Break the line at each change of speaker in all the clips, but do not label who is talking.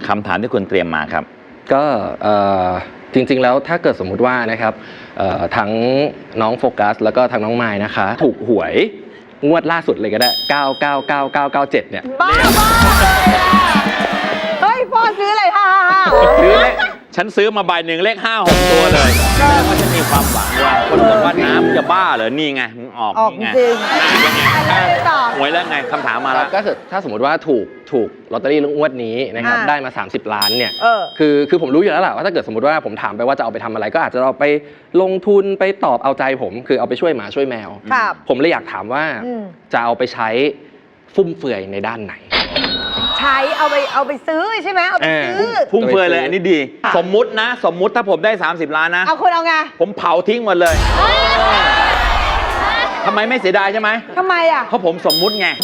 คำถามที่คุณเตรียมมาครับ
ก็จริงๆแล้วถ้าเกิดสมมุติว่านะครับทั้งน้องโฟกัสแล้วก็ทั้งน้องไมล์นะคะถูกหวยงวดล่าสุดเลยก็ได้999997เนี่ย
บ้าเฮ้ยพ่อซื้ออะไรฮ่า
ซื้อเลขฉันซื้อมาใบหนึ่งเลข5 6ตัวเลยแล้วก็ฉันมีความหวังว่าคนบอกว่าน้ำจะบ้าเหรอนี่ไงมึงออก
จริง
ยังไงหวยแล้วไงคำถามมาแล้ว
ก็ถ้าสมมติว่าถูกลอตเตอรี่งวดนี้นะครับได้มา30 ล้านเนี่ยคือผมรู้อยู่แล้วแหละว่าถ้าเกิดสมมติว่าผมถามไปว่าจะเอาไปทำอะไรก็อาจจะเอาไปลงทุนไปตอบเอาใจผมคือเอาไปช่วยหมาช่วยแมวผมเลยอยากถามว่าจะเอาไปใช้ฟุ่มเฟือยในด้านไหน
ใช้เอาไปซื้อใช่ไหมเอาไปซื้อ
ฟุ่มเฟือยเลยอันนี้ดีสมมุติถ้าผมได้30 ล้านนะ
เอาคุณเอาไง
ผมเผาทิ้งหมดเลยทำไมไม่เสียดายใช่ไหม
ทำไมอ่ะ
เพราะผมสมมุติไง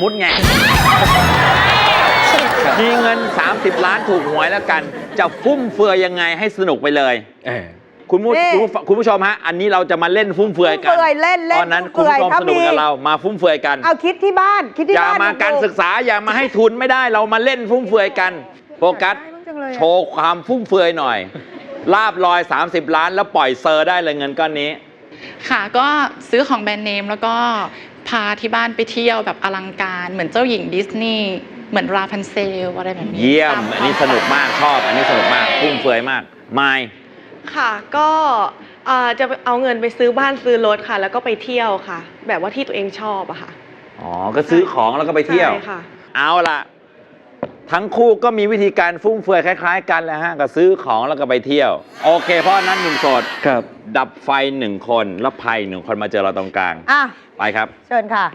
มีเงิน30 ล้านถูกหวยแล้วกันจะฟุ่มเฟือยยังไงให้สนุกไปเลยคุณผู้ชมฮะอันนี้เราจะมาเล่นฟุ่มเฟือยกันตอนนั้นคุณผู้ชมสนุกกับเรามาฟุ่มเฟือยกัน
เอาคิดที่บ้าน
อย่ามาการศึกษาอย่ามาให้ทุนไม่ได้เรามาเล่นฟุ่มเฟือยกันโฟกัสโชว์ความฟุ่มเฟือยหน่อยลาบลอย30 ล้านแล้วปล่อยเซอร์ได้เลยเงินก้อนนี้
ค่ะก็ซื้อของแบรนด์เนมแล้วก็พาที่บ้านไปเที่ยวแบบอลังการเหมือนเจ้าหญิงดิสนีย์เหมือนราพันเซลอะไรแบบนี้
เยี่ยมอันนี้สนุกมากชอบอันนี้สนุกมากฟุ่มเฟือยมากไมค์
ค่ะก็จะเอาเงินไปซื้อบ้านซื้อรถค่ะแล้วก็ไปเที่ยวค่ะแบบว่าที่ตัวเองชอบอะค่ะ
อ๋อก็ซื้อของแล้วก็ไปเที่ยว
ใช่ค่ะ
เอาล่ะทั้งคู่ก็มีวิธีการฟุ่มเฟือยคล้ายๆกันแหละฮะก็ซื้อของแล้วก็ไปเที่ยวโอเคเพราะนั้นหนุ่มโสดดับไฟ1 คนแล้วภัย1 คนมาเจอเราตรงกลางไปครับ
เชิญค่ะ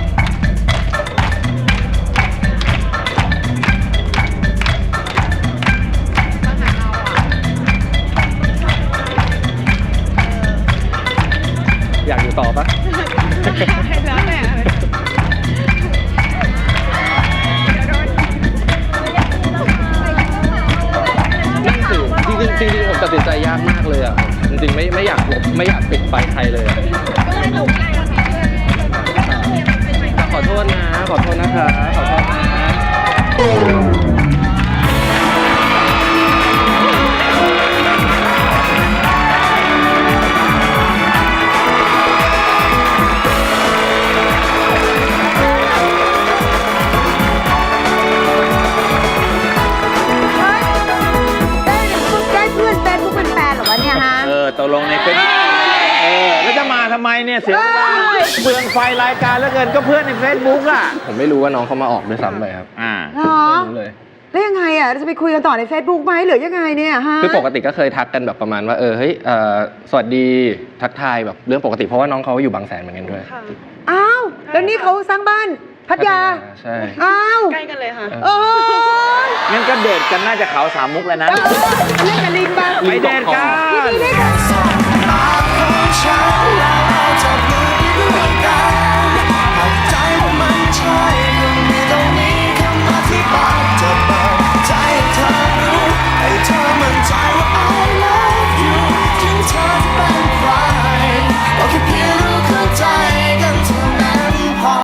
อยากอยู่ต่อปะ
แล้วแต่
จริงผมตัดสินใจยากมากเลยอ่ะจริงๆไม่อยากปิดไฟใครเลยขอโทษนะคะขอโทษนะ
ตกลงในเฟซแล้วจะมาทำไมเนี่ยเสียเปลืองไฟรายการแล้วเกินก็เพื่อนในเฟซบุ๊กอ่ะ
ผมไม่รู้ว่าน้องเขามาออกด้วยซ้ำไปครับ
ไม่รู้เลยแล้วยังไงอ่ะจะไปคุยกันต่อใน Facebook ไหมหรือยังไงเนี่ยฮะ
คือปกติก็เคยทักกันแบบประมาณว่าเฮ้ยสวัสดีทักทายแบบเรื่องปกติเพราะว่าน้องเขาอยู่บางแสนเหมือนกันด้วย
อ้าวแล้วนี่เขาสร้างบ้านพัทยา
ใช่
อ้าว
ใกล้กันเลยค่ะ
งั้นก็เดทกันน่าจะเขา3 มุกแล้วนะ
เล่นกับลิงบ้าง
ไปเดทกัน